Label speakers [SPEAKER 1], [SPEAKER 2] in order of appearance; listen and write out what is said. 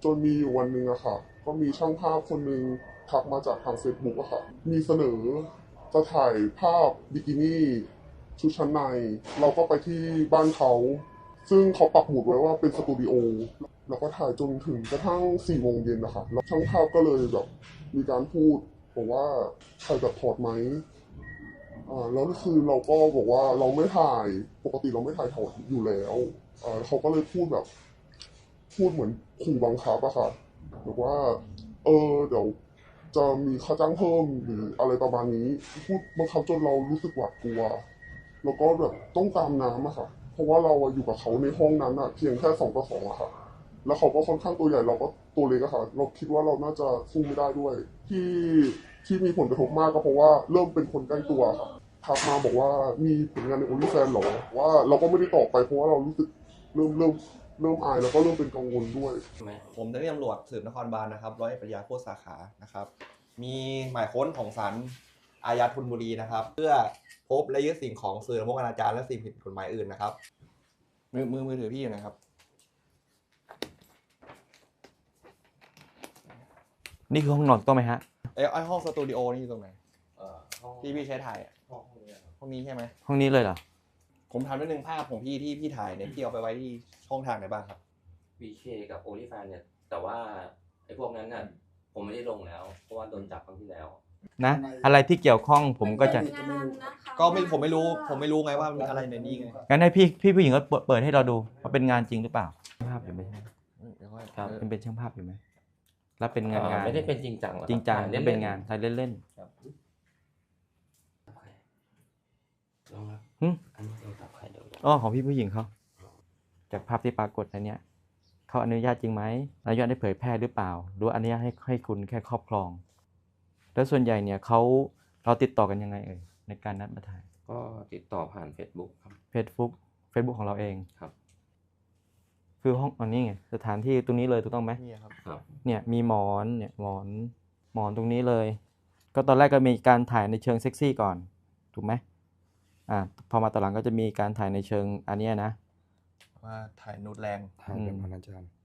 [SPEAKER 1] จนมีอยู่วันหนึ่งอะค่ะก็มีช่างภาพคนหนึ่งทักมาจากทาง Facebook อะค่ะมีเสนอจะถ่ายภาพบิกินี่ชุดชั้นในเราก็ไปที่บ้านเขาซึ่งเขาปักหมุดไว้ว่าเป็นสตูดิโอแล้วก็ถ่ายจนถึงกระทั่ง4 โมงเย็นนะคะแล้วช่างภาพก็เลยแบบมีการพูดบอกว่าถ่ายแบบถอดไหมแล้วคือเราก็บอกว่าเราไม่ถ่ายปกติเราไม่ถ่ายถอดอยู่แล้วเขาก็เลยพูดแบบพูดเหมือนขู่บังคับอะค่ะบอกว่าเดี๋ยวจะมีค่าจ้างเพิ่มหรืออะไรประมาณนี้พูดบังคับจนเรารู้สึกหวาดกลัวแล้วก็แบบต้องตามน้ำอะค่ะเพราะว่าเราอยู่กับเขาในห้องนั้นอะเพียงแค่2 ต่อ 2อะค่ะแล้วเขาก็ค่อนข้างตัวใหญ่เราก็ตัวเล็กอะค่ะเราคิดว่าเราน่าจะสู้ไม่ได้ด้วยที่มีผลกระทบมากก็เพราะว่าเริ่มเป็นคนใกล้ตัวค่ะทักมาบอกว่ามีผลงานในโอลิแฟนหรอว่าเราก็ไม่ได้ตอบไปเพราะว่าเรารู้สึกเริ่มอายแล้วก็เริ่มเป็นกังวลด้วย
[SPEAKER 2] ผมเจ้าหน้าที่ตำรวจสืบนครบาลนะครับร้อยเอกปริยาโคตรสาขานะครับมีหมายค้นของศาลอาญาธนบุรีนะครับเพื่อพบและยึดสิ่งของสื่อละมกอนาจารและสิ่งผิดกฎหมายอื่นนะครับมือถือพี่อยู่นะครับ
[SPEAKER 3] นี่คือห้องนอนต้องไหมฮะ
[SPEAKER 2] ไอห้องสตูดิโอนี่อยู่ตรงไหนที่พี่ใช้ถ่ายห้องนี้ใช่ไหม
[SPEAKER 3] ห้องนี้เลยเหรอ
[SPEAKER 2] ผมทำได้หนึ่งภาพของพี่ที่พี่ถ่ายเนี่ยพี่เอาไปไว้ที่ช่องทางไหนบ้างครับ
[SPEAKER 4] VK กับ OnlyFans เนี่ยแต่ว่าไอ้พวกนั้นน่ะผมไม่ได้ลงแล้วเพราะว่าโดนจับครั้งที่แล้ว
[SPEAKER 3] นะอะไรที่เกี่ยวข้องผมก็จะ
[SPEAKER 2] ผมไม่รู้ไงว่ามีอะไรในนี้ไง
[SPEAKER 3] งั้นให้พี่ผู้หญิงก็เปิดให้เราดูว่าเป็นงานจริงหรือเปล่าช่างภาพอยู่ไหมครับเป็นช่างภาพอยู่ไหมแล้วเป็นงาน
[SPEAKER 4] ไม่ได้เป็นจริงจัง
[SPEAKER 3] จริงจังไม่เป็นงานถ่ายเล่น
[SPEAKER 4] ลองครับอันนี้เราตับใครเดี๋ยว
[SPEAKER 3] อ๋อของพี่ผู้หญิงเขาจากภาพที่ปรากฏในเนี้ยเขาอนุญาตจริงไหมอนุญาตให้เผยแพร่หรือเปล่าหรืออนุญาตให้คุณแค่ครอบครองแล้วส่วนใหญ่เนี่ยเราติดต่อกันยังไงในการนัดมาถ่าย
[SPEAKER 4] ก็ติดต่อผ่าน Facebook ครับ
[SPEAKER 3] Facebook ของเราเอง
[SPEAKER 4] ครับ
[SPEAKER 3] คือห้องอันนี้ไงสถานที่ตรงนี้เลยถูกต้องไหม
[SPEAKER 2] นี่ครับ
[SPEAKER 3] เนี่ยมีหมอนเนี่ยหมอนตรงนี้เลยก็ตอนแรกก็มีการถ่ายในเชิงเซ็กซี่ก่อนถูกไหมพอมาตอนหลังก็จะมีการถ่ายในเชิงอันนี้นะ
[SPEAKER 2] ว่าถ่ายนูดแรง
[SPEAKER 4] ถ่ายเป็นอนาจาร